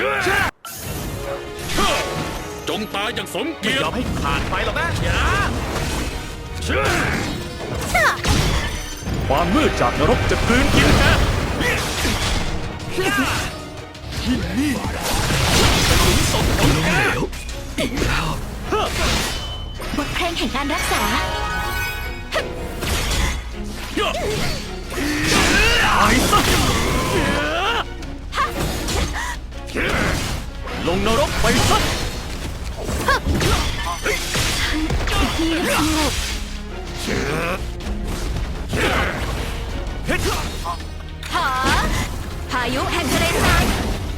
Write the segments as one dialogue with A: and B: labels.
A: จงตายอย่างสมเกี
B: ไม่
A: ยร
B: ยอม
A: ติ
B: ให้ขาดไปหรอกนะอย่า
C: ความมืดจากนรกจะกลืนกินแก
B: ที่นี่เป็นหลุมศพของแกอีกแล้ว
D: บทเพลงแห่งการรักษา
B: ตายซะ
C: ลงนรกไปซะ
D: ที่สงบหาพายุแห่งทะเลทราย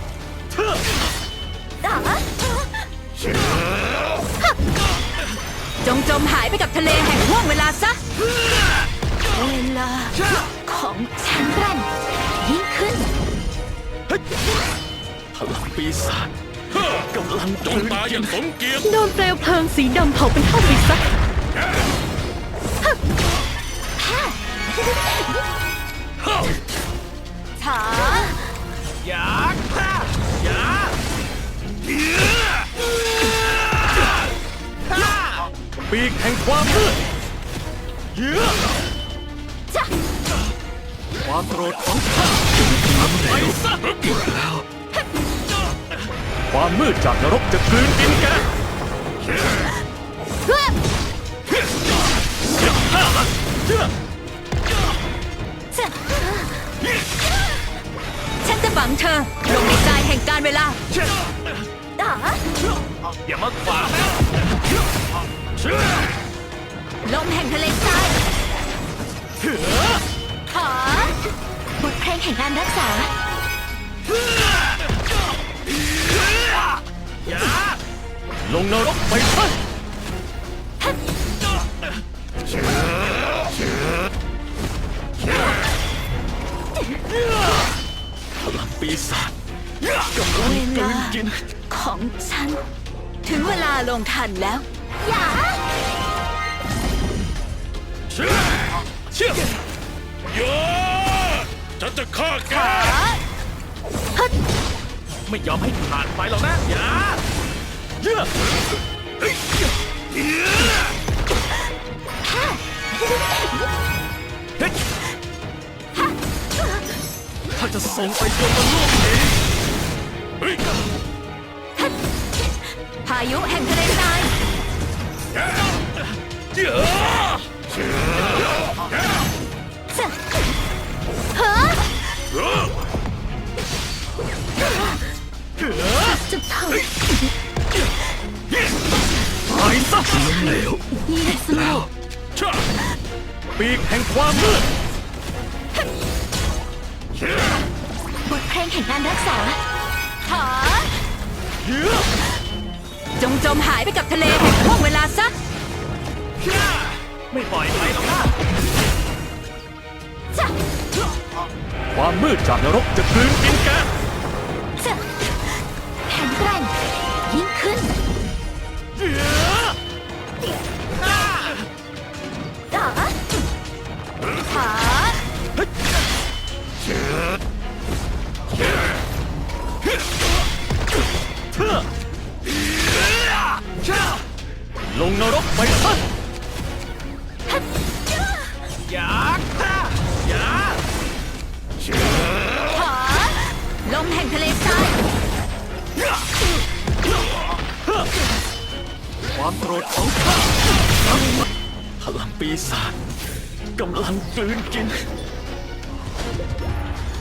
D: จงจมหายไปกับทะเลแห่งห่วงเวลาซะ เวลาของฉันรันยิ่งขึ้น
B: พลังปีศาจกำลัง
A: จงตายอย่างสมเกียรติ
D: โดนเปลวเพลิงสีดำเผาเป็นเท่าไปซะถา
B: อย่าอย่า
C: ปีกแห่งความมืด
B: เยื้อ
D: จ้ะ
C: ความโกรธของข้า
B: ไปซะอีกแล้ว
C: ความมืดจากนรกจะกลืนกินแก
D: เพื่อ
C: เชื่อ
D: จ้ะฉันจะฝังเธอลงในทรายแห่งการเวลาดา
B: อย่ามาขวางนะ
D: ลมแห่งทะเลทรายขอบทเพลงแห่งการรักษา
B: อย่า
C: ลงนรกไปซะ
B: พลังปีศาจกำลัง
D: เว
B: กลื
D: ลาน
B: กิน
D: ของฉัน ถึงเวลาลงทันแล้ว อย่า
A: เชื่อฉันจะฆ่าแก
B: ไม่ยอมให้ขาดไปหรอกนะอย่าเยื้อ ถ้าจะส่งไปจนมันล่วงเอง
A: เฮ้ย
D: พายุแห่งทะเลทราย
A: เจ้า
D: จะเฮ้อจะเผา
B: ตายซะล้มเหลว
D: ยิ่งสงบ
A: ช่า
C: ปีกแห่งความมืด
D: บทเพลงแห่งการรักษาขอ
C: เยื้อ
D: จงจมหายไปกับทะเลแห่งห่วงเวลาซะ
B: ไม่ปล่อยไปหรอกนะ
D: จะ
C: ความมืดจากนรกจะกลืนกินแก
D: จะแข็งแกร่งยิ่งขึ้น
B: เยื้อ
D: ดาขอ
C: เชื่อลงนรกไปซะ
B: อย่าอย่า
D: ขอลมแห่งทะเลทราย
C: ความโกรธของข้า
B: พลังปีศาจกำลังกลืนกิน